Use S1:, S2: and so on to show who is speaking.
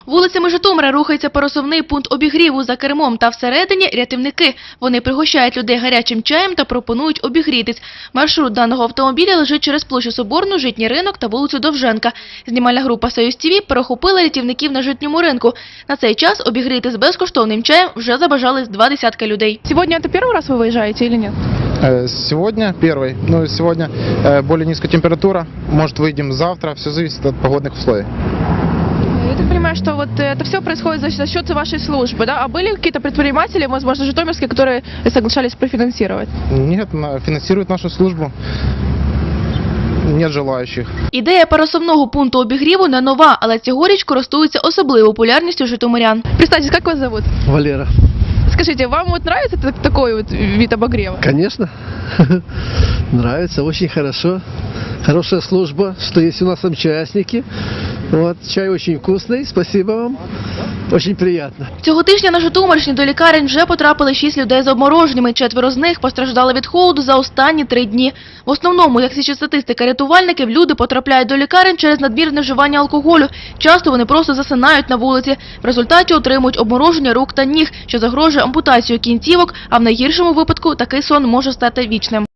S1: Вулицями Житомира рухається пересувний пункт обігріву. За кермом та всередині – рятівники. Вони пригощають людей гарячим чаєм та пропонують обігрітись. Маршрут даного автомобіля лежить через площу Соборну, Житній ринок та вулицю Довженка. Знімальна група «Союз ТВ» перехопила рятівників на Житньому ринку. На цей час обігрітись безкоштовним чаєм вже забажали 20 людей.
S2: Сегодня это первый раз вы выезжаете или нет?
S3: Сегодня первый. Ну, сегодня более низкая температура. Может, выйдем завтра. Все зависит от погодных условий.
S2: Я так понимаю, что вот это все происходит за счет вашей службы, да? А были какие-то предприниматели, возможно, житомирские, которые соглашались профинансировать?
S3: Нет, финансирует нашу службу. Нет желающих.
S1: Ідея пересувного пункту обігріву не нова, але цьогоріч користується особливою популярністю житомирян.
S2: Представьтесь, как вас зовут?
S4: Валера.
S2: Скажите, вам вот нравится такой вот вид обогрева?
S4: Конечно. Нравится, очень хорошо. Хорошая служба, что есть у нас участники. Вот, чай очень вкусный, спасибо вам. Очень приятно.
S1: Цього тижня на Житомирщині до лікарень вже потрапили 6 людей з обмороженнями. 4 з них постраждали від холоду за останні 3 дні. В основному, як свідчить статистика рятувальників, люди потрапляють до лікарень через надмірне вживання алкоголю. Часто вони просто засинають на вулиці. В результаті отримують обмороження рук та ніг, що загрожує ампутацією кінцівок, а в найгіршому випадку такий сон може стати вічним.